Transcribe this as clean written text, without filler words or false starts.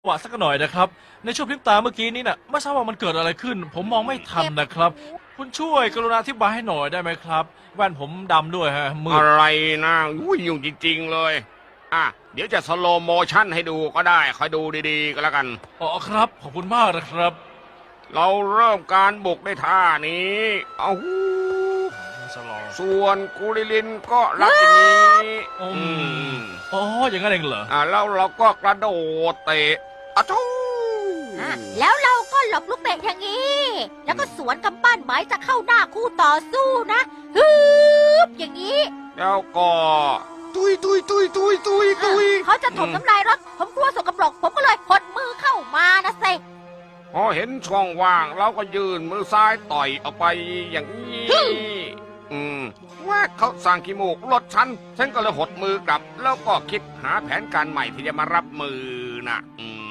ะสักหน่อยนะครับในช่วงพริบตาเมื่อกี้นี้น่ะไม่ทราบว่ามันเกิดอะไรขึ้น ผมมองไม่ทันนะครับ คุณช่วยกรุณาอธิบายให้หน่อยได้ไหมครับแว่นผมดำด้วยฮะมืดอะไรนะยุ่งจริงๆเลยเดี๋ยวจะสโลโมชั่นให้ดูก็ได้คอยดูดีๆก็แล้วกันอ๋อครับขอบคุณมากนะครับเราเริ่มการบุกด้วยท่านี้เอาหูสลองส่วนกูริลินก็รับอย่างนี้อืม อ๋ออย่างนั้นเองเหรอแล้วเราก็กระโดดเตะอะทูแล้วเราก็หลบลูกเตะอย่างนี้ แล้วก็สวนกำปั้นหมายจะเข้าหน้าคู่ต่อสู้นะฮึบอย่างนี้แล้วก็ตุยเขาจะถมน้ำลายรถผมกลัวสกปรกผมก็เลยหดมือเข้ามานะเซพอเห็นช่องว่างเราก็ยื่นมือซ้ายต่อยออกไปอย่างนี้ว่าเขาสั่งขี้มูกรถฉันก็เลยหดมือกลับ แล้วก็คิดหาแผนการใหม่ที่จะมารับมือนะ